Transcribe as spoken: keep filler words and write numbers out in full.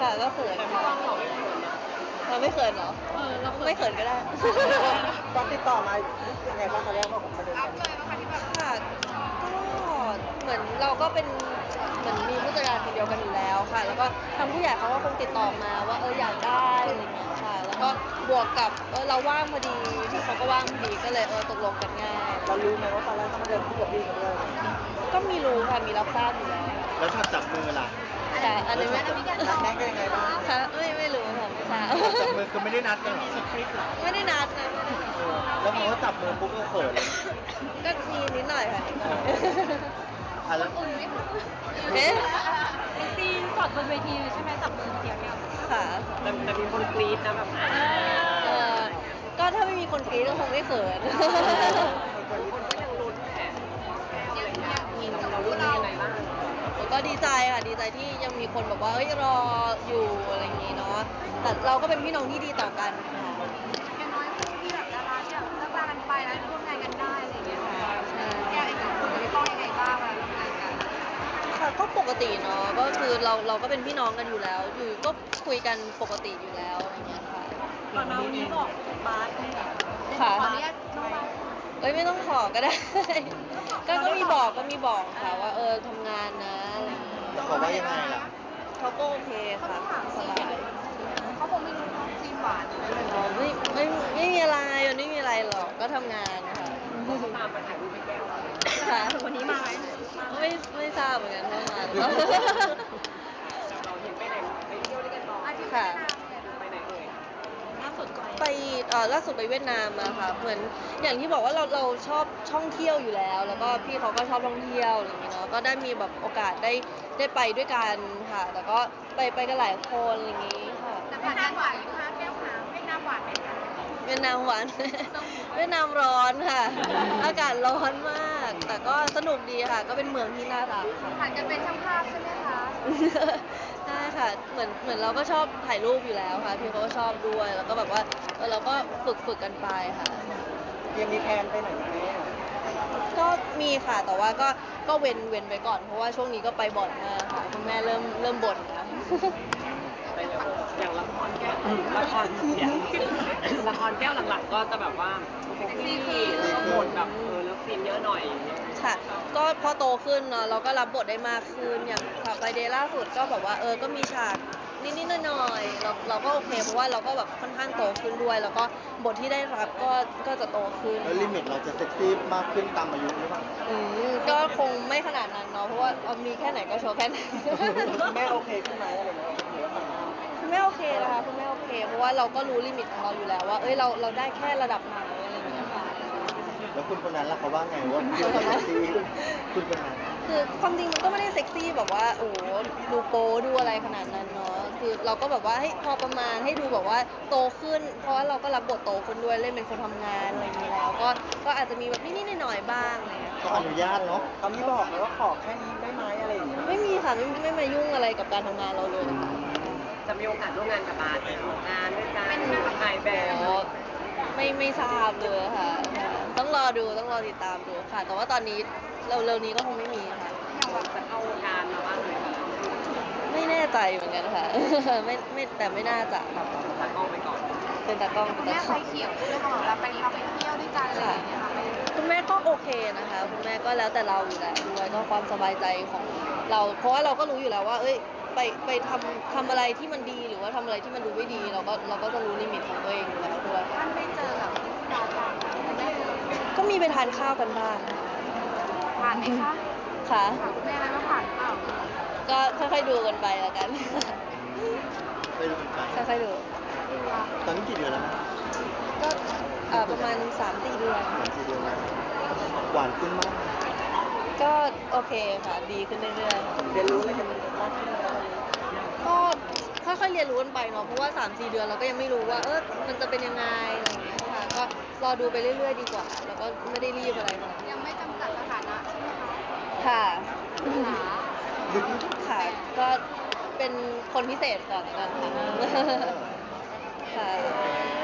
ค่ะก็เขินค่ะเราไม่เขินเหรอเออเราไม่เขินก็ได้ตอนติดต่อมายังไงบ้างคะเรื่องของประเด็นค่ะก็เหมือนเราก็เป็นเหมือนมีผู้จัดการคนเดียวกันอยู่แล้วค่ะแล้วก็ทางผู้ใหญ่เขาก็คงติดต่อมาว่าเอออยากได้อะไรอย่างเงี้ยค่ะแล้วก็บวกกับเออเราว่างพอดีที่เขาก็ว่างพอดีก็เลยเออตกลงกันง่ายเรารู้ไหมว่าตอนแรกต้องมาเดินคู่กับพี่กันด้วยก็มีรู้ค่ะมีรับทราบอยู่แล้วแล้วชอบจับมือล่ะค่ะอันนี้ไม่นัดแนะกันยังไงบ้างค่ะไม่ไม่รู้ค่ะไม่ทราบจับมือคือไม่ได้นัดกันหรอไม่ได้นัดนะแล้วพอเขาจับมือปุ๊บก็เขินเลยก็มีนิดหน่อยค่ะอ่ะแล้วเอ๊ะเป็นซีนสดบนเวทีเลยใช่ไหมจับมือเดียวเนี่ยค่ะแต่มีคนกรี๊ดนะแบบเออก็ถ้าไม่มีคนกรี๊ดก็คงไม่เขินคนก็ยังลุ้นแหละเราลุ้นยังไงบ้างก็ดีใจค่ะดีใจที่ยังมีคนบอกว่าเอ้ยรออยู่อะไรอย่างงี้เนาะแต่เราก็เป็นพี่น้องที่ดีต่อกันค่ะอย่างน้อยคู่ที่แบบดาราที่แบบเลิกรากันไปแล้วร่วมงานกันได้อะไรอย่างเงี้ยค่ะแกอีกหนึ่งคนจะต้องยังไงบ้างเวลาร่วมงานกันค่ะก็ปกติเนาะก็คือเราเราก็เป็นพี่น้องกันอยู่แล้วอยู่ก็คุยกันปกติอยู่แล้วอะไรเงี้ยค่ะตอนนี้บอกบาสค่ะขออนุญาตน้องบาสเอ้ยไม่ต้องขอก็ได้ก็ก็มีบอกก็มีบอกค่ะว่าเออทำงานนะอะไรอย่างเงี้ยแล้วเขาว่ายังไงล่ะเขาก็โอเคค่ะสบายเขาคงไม่รู้เขาซีนหวานเลยอ๋อไม่ไม่ไม่มีอะไรมันไม่มีอะไรหรอกก็ทำงานค่ะตามมาถ่ายรูปไปแก้วค่ะวันนี้มาไหมไม่ไม่ทราบเหมือนกันว่ามาเราเห็นไปไหนไปเที่ยวด้วยกันต่อค่ะไปไหนเอ่ยล่าสุดไปเอ่อล่าสุดไปเวียดนามมาค่ะเหมือนอย่างที่บอกว่าเราเราชอบท่องเที่ยวอยู่แล้วแล้วก็พี่เขาก็ชอบท่องเที่ยวอะไรอย่างเงี้ยเนาะก็ได้มีแบบโอกาสได้ได้ไปด้วยกันค่ะแล้วก็ไปไปกันหลายคนอะไรอย่างงี้ค่ะแต่ผ่านการหวานนะคะแก้วขาเวียดนามหวานไหมคะเวียดนามหวานเวียดนามร้อนค่ะอากาศร้อนมากแต่ก็สนุกดีค่ะก็เป็นเมืองที่น่ารักค่ะผ่านกันเป็นช่างภาพใช่ไหมคะใช่ค่ะเหมือนเหมือนเราก็ชอบถ่ายรูปอยู่แล้วค่ะพี่เขาก็ชอบด้วยแล้วก็แบบว่าเราก็ฝึกฝึกกันไปค่ะยังมีแพลนไปไหนไหมก็มีค่ะแต่ว่าก็ก็เว้นเว้นไปก่อนเพราะว่าช่วงนี้ก็ไปบ่อยมากค่ะคุณแม่เริ่มเริ่มบ่นแล้วอย่างละครแก้วละครละครแก้วหลังๆก็จะแบบว่าซีรีส์ก็บทแบบเออเลิฟซีนเยอะหน่อยค่ะก็พอโตขึ้นเนาะเราก็รับบทได้มากขึ้นอย่างค่ะไปเดย์ล่าสุดก็แบบว่าเออก็มีฉากนิดๆหน่อยๆเราเราก็โอเคเพราะว่าเราก็แบบค่อนข้างโตขึ้นด้วยแล้วก็บทที่ได้รับก็ก็จะโตขึ้นแล้วลิมิตเราจะเซ็กซี่มากขึ้นตามอายุหรือเปล่าอืมก็คงไม่ขนาดนั้นเนาะเพราะว่ามีแค่ไหนก็โชว์แค่นั้นแม่โอเคขึ้นไหมอะไรเงี้ยคุณแม่โอเคนะคะคุณแม่โอเคเพราะว่าเราก็รู้ลิมิตของเราอยู่แล้วว่าเอ้ยเราเราได้แค่ระดับไหนอะไรอย่างเงี้ยค่ะแล้วคุณคนนั้นล่ะเขาว่าไงว่าพี่เซ็กซี่คุณคนนั้นคือความจริงมันก็ไม่ได้เซ็กซี่แบบว่าโอ้ดูโป๊ดูอะไรขนาดนั้นเนาะคือเราก็แบบว่าให้พอประมาณให้ดูแบบว่าโตขึ้นเพราะว่าเราก็รับบทโตขึ้นด้วยเล่นเป็นคนทำงานอะไรอย่างนี้แล้วก็ก็อาจจะมีแบบนิดๆหน่อยๆบ้างอะไรเงี้ยก็อนุญาตเนาะเขามีบอกไหมว่าขอแค่นี้ได้ไหมอะไรอย่างเงี้ยไม่มีค่ะไม่ไม่มายุ่งอะไรกับการทำงานเราเลยจะมีโอกาสร่วมงานกับบาสไหมงานด้วยกันถ่ายแบบไม่ไม่ทราบเลยค่ะต้องรอดูต้องรอติดตามดูค่ะแต่ว่าตอนนี้เร็วๆนี้ก็คงไม่มีค่ะอยากแบบจะเข้าวงการมาบ้างไหมคะไม่แน่ใจเหมือนกันค่ะไม่ไม่แต่ไม่น่าจะแบบตากล้องไปก่อนเป็นตากล้องคุณแม่ไฟเขียวด้วยค่ะแบบไปเราไปเที่ยวด้วยกันอะไรอย่างเงี้ยค่ะคุณแม่ก็โอเคนะคะคุณแม่ก็แล้วแต่เราอยู่แล้วด้วยก็ความสบายใจของเราเพราะว่าเราก็รู้อยู่แล้วว่าเอ้ยไปไปทำทำอะไรที่มันดีหรือว่าทำอะไรที่มันดูไม่ดีเราก็เราก็จะรู้ลิมิตของตัวเองอยู่แล้วด้วยท่านไม่เจอแบบดาวต่างก็มีไปทานข้าวกันบ้างผ่านไหมคะค่ะแม่อะไรว่าผ่านเปล่าก็ค่อยๆดูกันไปแล้วกันไปดูกันไปค่อยๆดูตอนนี้กี่เดือนแล้วก็ประมาณสามสี่เดือนสามสี่เดือนแล้วหวานขึ้นมากก็โอเคค่ะดีขึ้นเรื่อยๆเรียนรู้อะไรกันมากขึ้นก็ค่อยๆเรียนรู้กันไปเนาะเพราะว่า สามสี่ เดือนเราก็ยังไม่รู้ว่าเออมันจะเป็นยังไงอะไรอย่างเงี้ยค่ะก็รอดูไปเรื่อยๆดีกว่าแล้วก็ไม่ได้รีบอะไรนะยังไม่จำกัดสถานะใช่ไหมคะค่ะค่ะก็เป็นคนพิเศษก่อนกันค่ะค่ะ